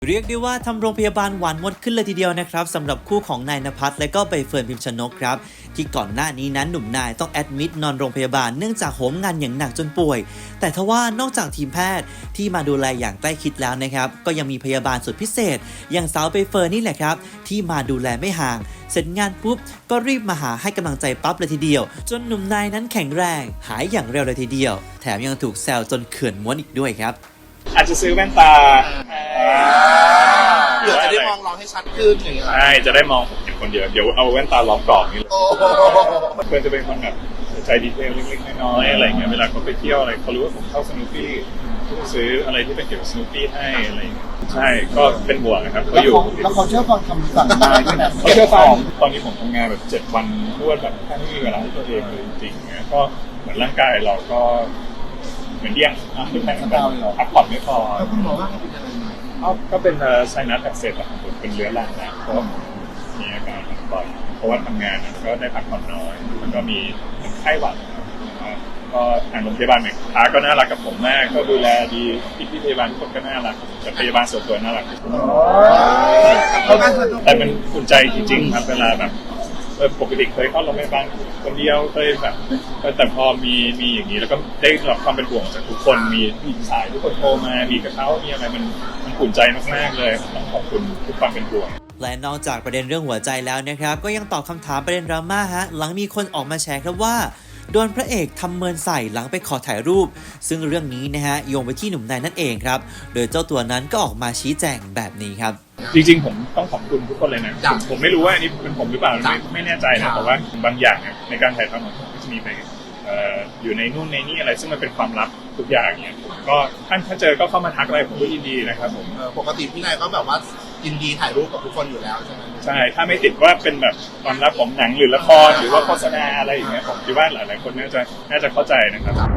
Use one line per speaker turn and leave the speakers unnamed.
เรียกได้ว่าทำโรงพยาบาลหวานมดขึ้นเลยทีเดียวนะครับสำหรับคู่ของนายณภัสและก็ใบเฟิร์นพิมชนกครับที่ก่อนหน้านี้นั้นหนุ่มนายต้องแอดมิดนอนโรงพยาบาลเนื่องจากโหมงานอย่างหนักจนป่วยแต่ทว่านอกจากทีมแพทย์ที่มาดูแลอย่างใกล้ชิดแล้วนะครับก็ยังมีพยาบาลสุดพิเศษอย่างสาวใบเฟิร์นนี่แหละครับที่มาดูแลไม่ห่างเสร็จงานปุ๊บก็รีบมาหาให้กำลังใจปั๊บเลยทีเดียวจนหนุ่มนายนั้นแข็งแรงหายอย่างเร็วเลยทีเดียวแถมยังถูกแซวจนเขื่อนม้วนอีกด้วยครับ
อาจจะซื้อแว่นตา
เผื่อจะได้มองเราให้ชัดขึ้นอย่างเงี้ย
ใช่จะได้มองผมเป็นคนเดียวเดี๋ยวเอาแว่นตาล้อมกรอบนี่เลยเพื่อนจะเป็นคนแบบใจดีเทลเล็กๆน้อยๆอะไรเงี้ยเวลาเขาไปเที่ยวอะไรเขารู้ว่าผมเข้าสนุปปี้ก็ซื้ออะไรที่เป็นเกี่ยวกับสนุปปี้ให้อะไรใช่ก็เป็นห่วงนะครับเขาอยู่
แล้วเขาเชื่อฟังคำสั่งนายด้วยนะ
เขาเชื่อฟังตอนนี้ผมทำงานแบบ7 วันรวดแบบแทบไม่มีเวลาให้ตัวเองเลยจริงๆเนี่ยก็เหมือนร่างกายเราก็เหมือนเดี้ยงพักผ่อนไม่พอ
แล้วคุณหมอว่าเขาเป็นอะไรไหม
ก็เป็นไซนัสอักเสบอะครับเป็นเรื้อรังนะเพราะมีอาการบ่อยเพราะว่าทำงานก็ได้พักผ่อนน้อยแล้วก็มีไข้หวัดก็ทางโรงพยาบาลเนี่ยค้าก็น่ารักกับผมมากก็ดูแลดีพี่พยาบาลทุกคนก็น่ารักแต่พยาบาลส่วนตัวน่ารักแต่มันอุ่นใจจริงๆครับเวลาแบบปกติเคยเข้าโรงพยาบาลคนเดียวเคยแบบแต่พอมีอย่างนี้แล้วก็ได้รับความเป็นห่วงจากทุกคนมีสายทุกคนโทรมามีกระเช้ามีอะไรมันอุ่นใจมากๆเลยต้องขอบคุณทุกความเป็นห่วง
และนอกจากประเด็นเรื่องหัวใจแล้วนะครับก็ยังตอบคำถามประเด็นดราม่าฮะหลังมีคนออกมาแชร์ครับว่าโดนพระเอกทำเมินใส่หลังไปขอถ่ายรูปซึ่งเรื่องนี้นะฮะโยงไปที่หนุ่มนายนั่นเองครับโดยเจ้าตัวนั้นก็ออกมาชี้แจงแบบนี้ครับ
จริงๆผมต้องขอบคุณทุกคนเลยนะผมไม่รู้ว่าอันนี้เป็นผมหรือเปล่าไม่แน่ใจนะแต่ว่าบางอย่างในการถ่ายทำของผมก็จะมีไปอยู่ในนู่นในนี่อะไรซึ่งมันเป็นความลับทุกอย่างเนี่ยก็ถ้าเจอก็เข้ามาทักอะไรผมก็ยินดีนะครับผม
ปกติพี่นายก็แบบว่ายินดีถ่ายรูปกับทุกคนอยู่แล้วใช่ไหม
ใช่ถ้าไม่ติดว่าเป็นแบบความลับของหนังหรือละครหรือว่าโฆษณาอะไรอย่างเงี้ยผมคิดว่าหลายๆคนน่าจะเข้าใจนะครับ